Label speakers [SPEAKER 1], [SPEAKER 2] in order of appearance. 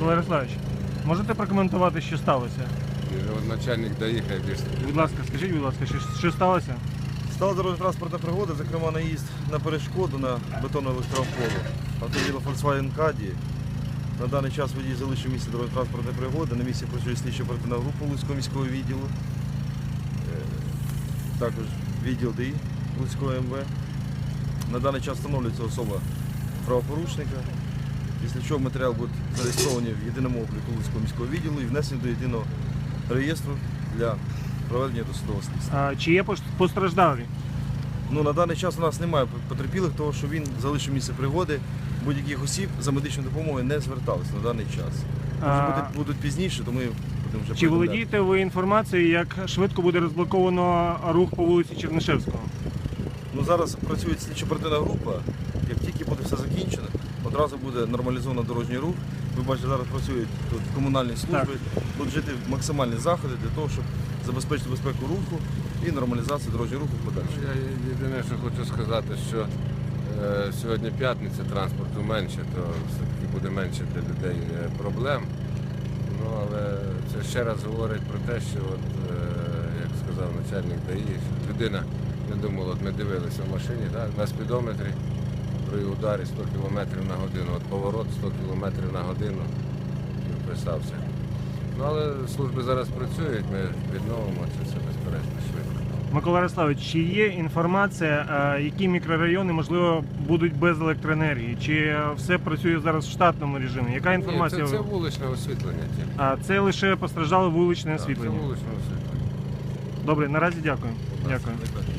[SPEAKER 1] Микола Ярославович, можете прокоментувати, що сталося?
[SPEAKER 2] Начальник доїхав більше.
[SPEAKER 1] Будь ласка, скажіть, будь ласка, що сталося?
[SPEAKER 3] Стала дорожньо-транспортна пригода, зокрема наїзд на перешкоду на бетонну електроопору автомобіля Volkswagen Caddy. На даний час водій залишив місце дорожньо-транспортної пригоди. На місці працює слідчо-оперативна група Луцького міського відділу. Також відділ ДІ Луцького МВ. На даний час встановлюється особа правопорушника, після чого матеріал буде зареєстрований в єдиному обліку Луцького міського відділу і внесений до єдиного реєстру для проведення досудового слідства.
[SPEAKER 1] Чи є постраждалі?
[SPEAKER 3] На даний час у нас немає потерпілих, тому що він залишив місце пригоди. Будь-яких осіб за медичною допомогою не зверталися на даний час. Може будуть пізніше, то ми будемо вже
[SPEAKER 1] Чи володієте ви інформацією, як швидко буде розблоковано рух по вулиці Чернишевського?
[SPEAKER 3] Зараз працює слідчо-оперативна група. Як тільки буде все закінчено, одразу буде нормалізовано дорожній рух. Ви бачите, зараз працюють тут комунальні служби, будуть жити максимальні заходи для того, щоб забезпечити безпеку руху і нормалізацію дорожнього руху подальше.
[SPEAKER 2] Я єдине, що хочу сказати, що сьогодні п'ятниця, транспорту менше, то все-таки буде менше для людей проблем. Але це ще раз говорить про те, що, як сказав начальник ДАІ, що людина не думала, ми дивилися в машині, на спідометрі при ударі 100 км на годину, поворот 100 км на годину вписався. Але служби зараз працюють, ми відновимо це все безперечно швидко.
[SPEAKER 1] Микола Ярославович, чи є інформація, які мікрорайони, можливо, будуть без електроенергії? Чи все працює зараз в штатному режимі? Яка інформація?
[SPEAKER 2] Ні, це вуличне освітлення тільки.
[SPEAKER 1] А це лише постраждало вуличне освітлення?
[SPEAKER 2] Це вуличне освітлення.
[SPEAKER 1] Добре, наразі дякую. Дякую.